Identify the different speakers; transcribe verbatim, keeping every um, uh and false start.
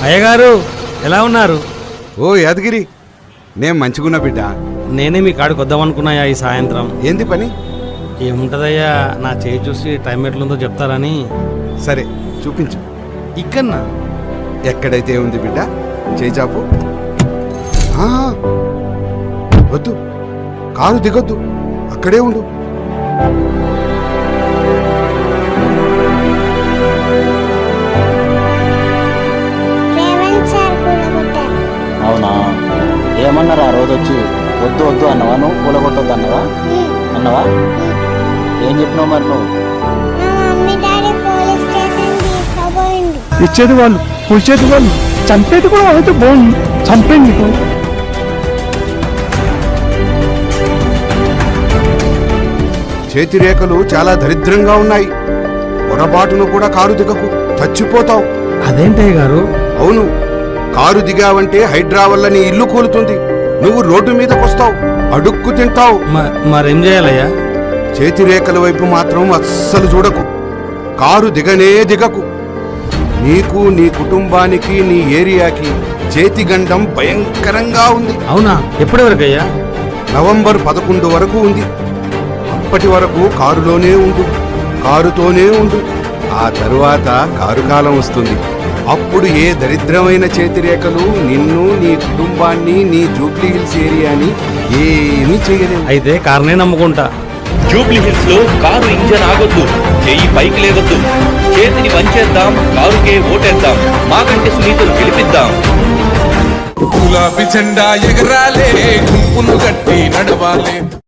Speaker 1: అయ్యగారు ఎలా ఉన్నారు?
Speaker 2: ఓ యాదగిరి, నేను మంచిగున్నా బిడ్డ.
Speaker 1: నేనే మీ కాడికి వద్దామనుకున్నాయా ఈ సాయంత్రం.
Speaker 2: ఏంది పని?
Speaker 1: ఏముంటదయ్యా, నా చేయి చూసి టైం ఎట్లుందో చెప్తారని.
Speaker 2: సరే చూపించు.
Speaker 1: ఇక్కడనా?
Speaker 2: ఎక్కడైతే ఉంది బిడ్డ, చేయి చాపు. ఆ, వద్దు, కారు దిగొద్దు, అక్కడే ఉండు.
Speaker 3: అవునా? ఏమన్నారా ఆ రోజు వచ్చి? వద్దు వద్దు అన్నవా? నువ్వు కూలగొట్టొద్దు అన్నవా? అన్నవా? ఏం చెప్పినావు మరి నువ్వు?
Speaker 4: ఇచ్చేది వాళ్ళు, కూర్చేది వాళ్ళు, చంపేది కూడా అయితే బాగుంది. చంపేండి.
Speaker 2: చేతి రేఖలు చాలా దరిద్రంగా ఉన్నాయి. పొరపాటును కూడా కారు దిగకు, చచ్చిపోతావు.
Speaker 1: అదేంటయ్య గారు?
Speaker 2: అవును, కారు దిగావంటే హైడ్రా వల్ల నీ ఇల్లు కూలుతుంది. నువ్వు రోడ్డు మీదకొస్తావు, అడుక్కు తింటావు.
Speaker 1: మరేం చేయాలయ్యా?
Speaker 2: చేతి రేఖల వైపు మాత్రం అస్సలు చూడకు. కారు దిగనే దిగకు. నీకు, నీ కుటుంబానికి, నీ ఏరియాకి చేతి గండం భయంకరంగా ఉంది.
Speaker 1: అవునా? ఎప్పటి వరకయ్యా?
Speaker 2: నవంబర్ పదకొండు వరకు ఉంది. అప్పటి వరకు కారులోనే ఉండు, కారుతోనే ఉండు. ఆ తరువాత కారు కాలం వస్తుంది. అప్పుడు ఏ దరిద్రమైన చేతిరేఖలు నిన్ను, నీ కుటుంబాన్ని, నీ జూబ్లీ హిల్స్ ఏరియాని ఏమీ చేయలేవు.
Speaker 1: అయితే కారునే నమ్ముకుంటా.
Speaker 5: జూబ్లీ హిల్స్ లో కారు ఇంజన్ ఆగొద్దు, చెయ్యి పైకి లేవద్దు, చేతిని వంచేద్దాం, కారుకే ఓటేద్దాం, మాకంటే సునీతలు గెలిపిద్దాం.
Speaker 6: గులాబీ జెండా ఎగరాలే, గుంపును గట్టి నడవాలే.